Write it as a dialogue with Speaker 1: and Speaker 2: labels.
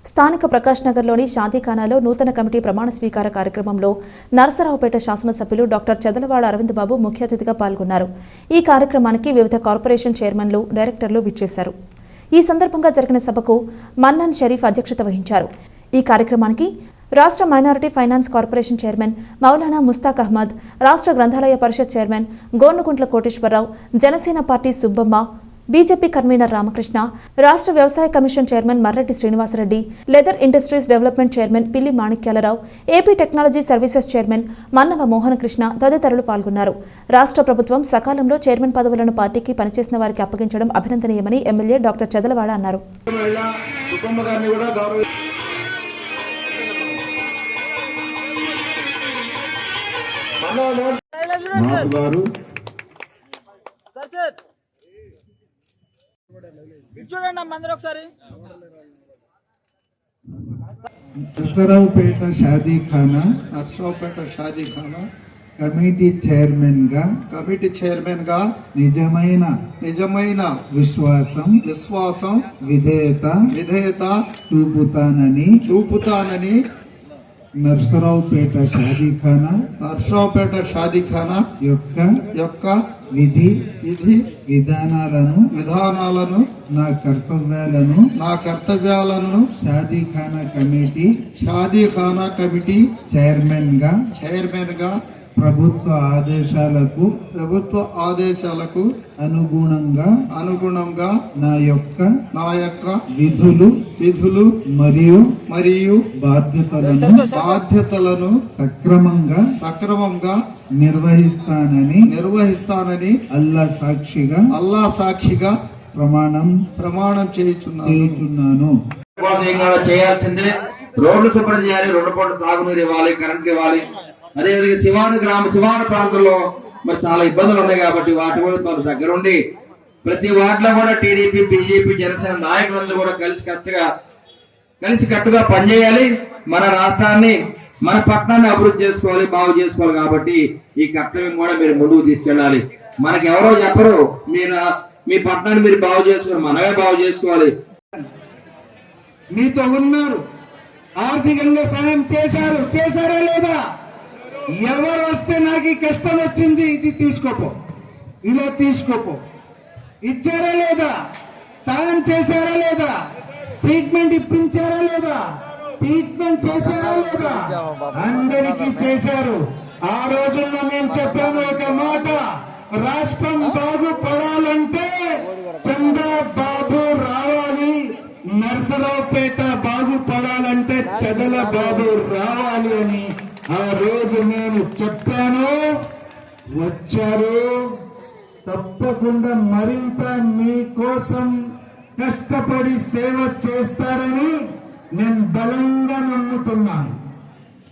Speaker 1: స్థానిక ప్రకాష్ నగర్లోని షాదీఖానాలో నూతన కమిటీ ప్రమాణ స్వీకార కార్యక్రమంలో నరసరావుపేట శాసనసభ్యులు డాక్టర్ చదలవాడ అరవింద్ బాబు ముఖ్య అతిథిగా పాల్గొన్నారు. ఈ కార్యక్రమానికి వివిధ కార్పొరేషన్ చైర్మన్లు, డైరెక్టర్లు విచ్చేశారు. ఈ సందర్భంగా జరిగిన సభకు మన్నన్ షరీఫ్ అధ్యక్షత వహించారు. ఈ కార్యక్రమానికి రాష్ట్ర minority finance corporation chairman Maulana Mushtaq Ahmed, రాష్ట్ర గ్రంథాలయ పరిషత్ chairman Gonuguntla Koteswararao, Janasena party Subbamma, BJP convener Ramakrishna, రాష్ట్ర వ్యవసాయ commission chairman Marreddy Srinivasareddy, leather industries development chairman Pilli Manikyalarao, AP technology services chairman Mannava Mohanakrishna తదితరులు పాల్గొన్నారు. రాష్ట్ర ప్రభుత్వం సకాలంలో చైర్మన్ పదవులను పార్టీకి పనిచేసిన వారికి అప్పగించడం అభినందనీయమని ఎమ్మెల్యే డాక్టర్ చదలవాడ అన్నారు.
Speaker 2: నరసరావుపేట షాదీఖానా కమిటీ చైర్మన్ గా నిజమైన విశ్వాసం విధేయత చూపుతానని నరసరావుపేట షాదీఖానా యొక్క విధి విధానాలను నా కర్తవ్యాలను షాదీఖానా కమిటీ చైర్మన్ గా ప్రభుత్వ ఆదేశాలకు అనుగుణంగా నా యొక్క విధులు మరియు బాధ్యతలను సక్రమంగా నిర్వహిస్తానని అల్లా సాక్షిగా ప్రమాణం చేయుచున్నాను.
Speaker 3: చేయాల్సిందే రోడ్లు శుభ్రం చేయాలి, 2 పూటలు తాగునీరు ఇవ్వాలి, కరెంట్ ఇవ్వాలి. అదేవిధంగా శివాను ప్రాంతంలో మరి చాలా ఇబ్బందులు ఉన్నాయి కాబట్టి వాటి కూడా మన దగ్గరుండి ప్రతి వార్డులో కూడా టీడీపీ, బీజేపీ, జనసేన నాయకులందరూ కూడా కలిసికట్టుగా పనిచేయాలి. మన రాష్ట్రాన్ని, మన పట్టణాన్ని అభివృద్ధి చేసుకోవాలి, బాగు చేసుకోవాలి. కాబట్టి ఈ కర్తవ్యం కూడా మీరు ముందుకు తీసుకెళ్ళాలి. మనకి ఎవరో చెప్పరు, మీ పట్టణాన్ని మీరు బాగు చేసుకోవాలి, మనమే బాగు చేసుకోవాలి.
Speaker 2: మీతో ఉన్నారు, ఆర్థికంగా సాయం చేశారా లేదా? ఎవరు వస్తే నాకు కష్టం వచ్చింది, ఇది తీసుకోపో, ఇలా తీసుకోపో, ఇచ్చారా లేదా? సాయం చేశారా లేదా? ట్రీట్మెంట్ ఇప్పించారా లేదా? ట్రీట్మెంట్ చేశారా లేదా? అందరికీ చేశారు. ఆ రోజుల్లో నేను చెప్పాను ఒక మాట, రాష్ట్రం బాగుపడాలంటే చంద్రబాబు రావాలి, నరసరావుపేట బాగుపడాలంటే చదలబాబు రావాలి అని ఆ రోజు నేను చెప్పాను. వచ్చారు. తప్పకుండా మరింత మీకోసం కష్టపడి సేవ చేస్తారని నేను బలంగా నమ్ముతున్నాను.